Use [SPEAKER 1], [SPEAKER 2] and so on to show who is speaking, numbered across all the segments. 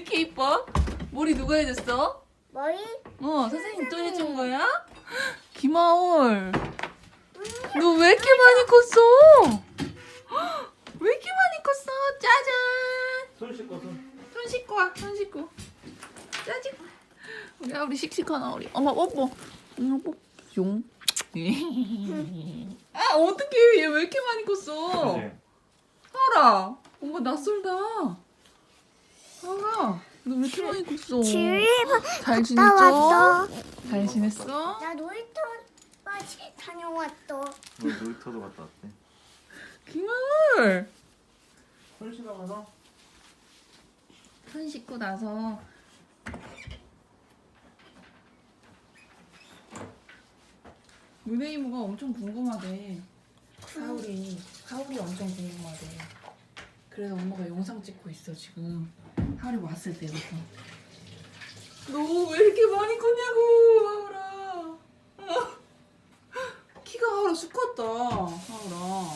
[SPEAKER 1] 이렇게 이뻐? 머리 누가 해줬어?
[SPEAKER 2] 머리?
[SPEAKER 1] 선생님 또 해준 거야? 김하올, 너 왜 이렇게 많이 컸어? 왜 이렇게 많이 컸어? 짜잔!
[SPEAKER 3] 손 씻고 손.
[SPEAKER 1] 손 씻고 와, 손 씻고. 짜잔! 우리 하울이 씩씩하나 우리. 엄마 뽀뽀. 엄마 뽀뽀. 용. 아 어떡해, 얘 왜 이렇게 많이 컸어?
[SPEAKER 3] 그지?
[SPEAKER 1] 하울아, 엄마 낯설다. 하울아, 너 왜 이렇게 많이 컸어? 잘
[SPEAKER 2] 나
[SPEAKER 1] 지냈죠?
[SPEAKER 2] 왔어.
[SPEAKER 1] 잘 지냈어?
[SPEAKER 2] 나 놀이터 다녀왔어.
[SPEAKER 3] 우리 놀이터도 갔다 왔대.
[SPEAKER 1] 김하울.
[SPEAKER 3] 손 씻어 가서.
[SPEAKER 1] 손 씻고 나서 문혜 이모가 엄청 궁금하대. 하울이 엄청 궁금하대. 그래서 엄마가 영상 찍고 있어 지금. 하울이 왔을 때부터. 너 왜 이렇게 많이 컸냐고, 하울아. 키가 하울아 쑥 컸다, 하울아.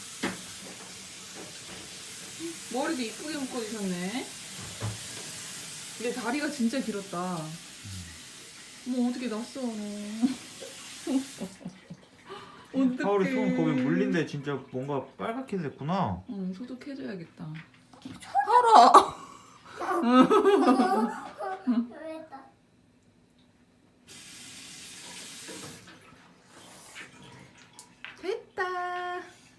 [SPEAKER 1] 머리도 이쁘게 묶어주셨네. 근데 다리가 진짜 길었다. 뭐 어떻게 났어, 너. 어떡해.
[SPEAKER 3] 하울이 손 거기 물린데 진짜 뭔가 빨갛게 됐구나.
[SPEAKER 1] 응, 소독해줘야겠다. 하울아.
[SPEAKER 2] 왜다?
[SPEAKER 1] 됐다.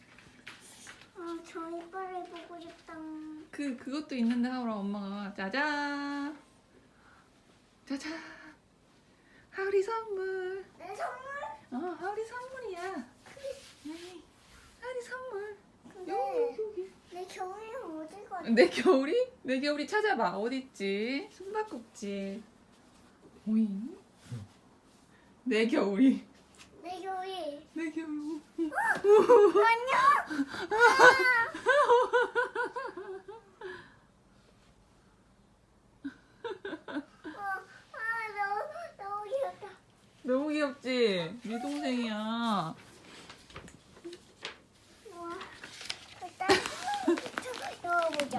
[SPEAKER 2] 저 이빨을 보고 싶다.
[SPEAKER 1] 그것도 있는데 하울아, 엄마가 짜잔. 짜잔. 하울이 선물.
[SPEAKER 2] 내 선물?
[SPEAKER 1] 하울이 선물이야. 하울이 선물.
[SPEAKER 2] 근데
[SPEAKER 1] 여기.
[SPEAKER 2] 내 겨울이는 어디 갔어?
[SPEAKER 1] 내 겨울이? 내 겨울이 찾아봐. 어딨지? 숨바꼭질. 오잉? 내 겨울이.
[SPEAKER 2] 내 겨울이.
[SPEAKER 1] 내 겨울.
[SPEAKER 2] 안녕. 너무 귀엽다.
[SPEAKER 1] 너무 귀엽지? 네 동생이야.
[SPEAKER 2] 우와. 일단 넣어보자.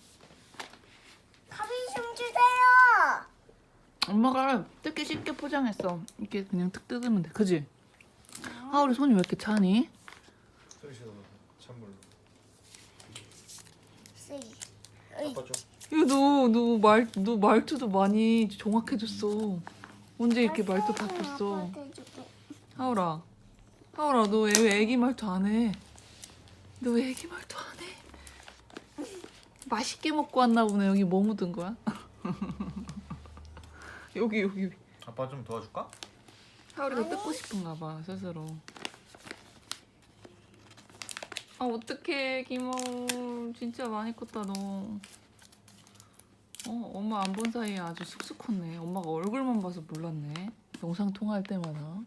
[SPEAKER 2] 가위 좀 주세요.
[SPEAKER 1] 엄마가 뜯기 쉽게 포장했어. 이렇게 그냥 뜯 뜯으면 돼. 그지? 하울이 손이 왜 이렇게 차니?
[SPEAKER 3] 손 씻어 찬물로.
[SPEAKER 2] 쓰이.
[SPEAKER 3] 아빠 줘.
[SPEAKER 1] 이거 너 말투도 많이 정확해졌어. 언제 이렇게 말투 바꿨어? 하울아, 너 왜 애기 말투 안 해? 너 왜 애기 말투 안 해? 맛있게 먹고 왔나 보네. 여기 뭐 묻은 거야? 여기.
[SPEAKER 3] 아빠 좀 도와줄까?
[SPEAKER 1] 하울이가 뜯고 싶은가 봐, 스스로. 아, 어떡해, 김하울. 진짜 많이 컸다, 너. 엄마 안 본 사이에 아주 쑥쑥 컸네. 엄마가 얼굴만 봐서 몰랐네. 영상 통화할 때마다.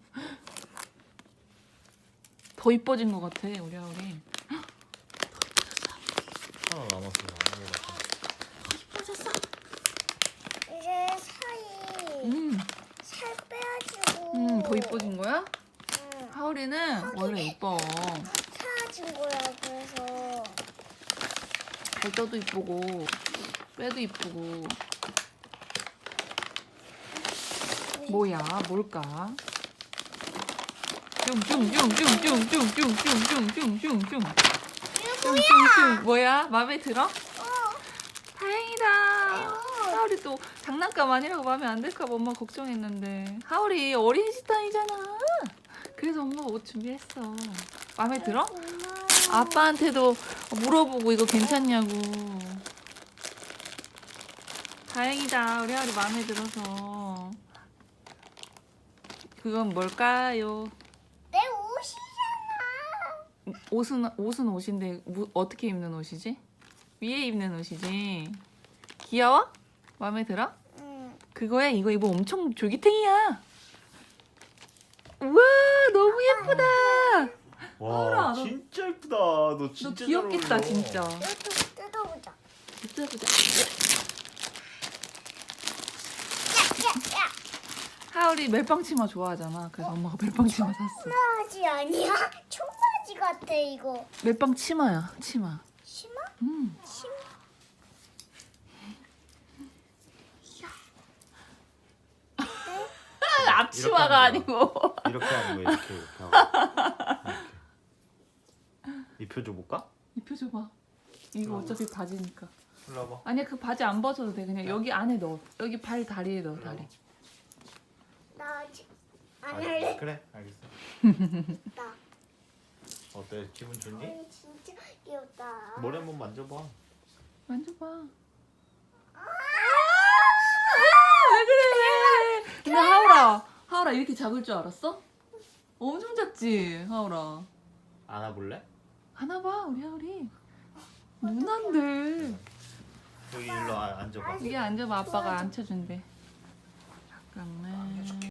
[SPEAKER 1] 더 이뻐진 것 같아, 우리 하울이.
[SPEAKER 3] 하나 남았어.
[SPEAKER 1] 더 이뻐졌어.
[SPEAKER 2] 이제 사이 살 빼가지고.
[SPEAKER 1] 더 이뻐진 거야?
[SPEAKER 2] 응.
[SPEAKER 1] 하울이는 원래 이뻐.
[SPEAKER 2] 사라진 거야. 그래서
[SPEAKER 1] 발도도 이쁘고, 빼도 이쁘고. 뭐야, 뭘까? 쭝쭝쭝쭝쭝쭝쭝쭝쭝쭝쭝쭝쭝 뭐야? 마음에 들어? 다행이다. 하울이 또 장난감 아니라고 마음에 안 들까 봐 엄마 걱정했는데. 하울이 어린 시타이잖아. 그래서 엄마가 옷 준비했어. 마음에 들어? 아빠한테도 물어보고 이거 괜찮냐고. 다행이다. 우리 하울이 마음에 들어서. 그건 뭘까요?
[SPEAKER 2] 내 옷이잖아.
[SPEAKER 1] 옷은 옷인데 어떻게 입는 옷이지? 위에 입는 옷이지. 귀여워? 마음에 들어?
[SPEAKER 2] 응.
[SPEAKER 1] 그거야. 이거 입어 엄청 졸기탱이야. 우와, 너무 예쁘다.
[SPEAKER 3] 와
[SPEAKER 1] 하울아, 너-
[SPEAKER 3] 진짜 예쁘다. 너
[SPEAKER 1] 너
[SPEAKER 3] 진짜
[SPEAKER 1] 귀엽겠다,
[SPEAKER 3] 잘 어울려.
[SPEAKER 1] 진짜.
[SPEAKER 2] 이것도 뜯어보자.
[SPEAKER 1] 뜯어보자.
[SPEAKER 2] 야.
[SPEAKER 1] 하울이 멜빵치마 좋아하잖아. 그래서 엄마가 멜빵치마 샀어.
[SPEAKER 2] 청바지 아니야? 청바지 같아 이거.
[SPEAKER 1] 멜빵치마야, 치마.
[SPEAKER 2] 심어?
[SPEAKER 1] 음.
[SPEAKER 2] 심어?
[SPEAKER 1] 앞치마가
[SPEAKER 3] 이렇게
[SPEAKER 1] 아니고.
[SPEAKER 3] 이렇게 하는 거야 이렇게 하고. 이렇게. 입혀 줘볼까?
[SPEAKER 1] 입혀줘봐. 이거 어차피 바지니까.
[SPEAKER 3] 일로 와봐.
[SPEAKER 1] 아니야 그 바지 안 벗어도 돼. 그냥 여기 안에 넣어. 여기 발 다리에 넣어 다리.
[SPEAKER 2] 나 안 할래.
[SPEAKER 3] 그래 알겠어.
[SPEAKER 2] 나.
[SPEAKER 3] 어때 기분 좋니?
[SPEAKER 2] 진짜 귀엽다.
[SPEAKER 3] 머리 한번 만져봐.
[SPEAKER 1] 만져봐. 왜 그래 왜? 근데 하울아 이렇게 작을 줄 알았어? 엄청 작지 하울아.
[SPEAKER 3] 안아볼래?
[SPEAKER 1] 안아봐 우리 하울이. 누난데.
[SPEAKER 3] 여기 일로 앉아봐.
[SPEAKER 1] 이게 앉아봐 아빠가 앉혀준대. 잠깐만.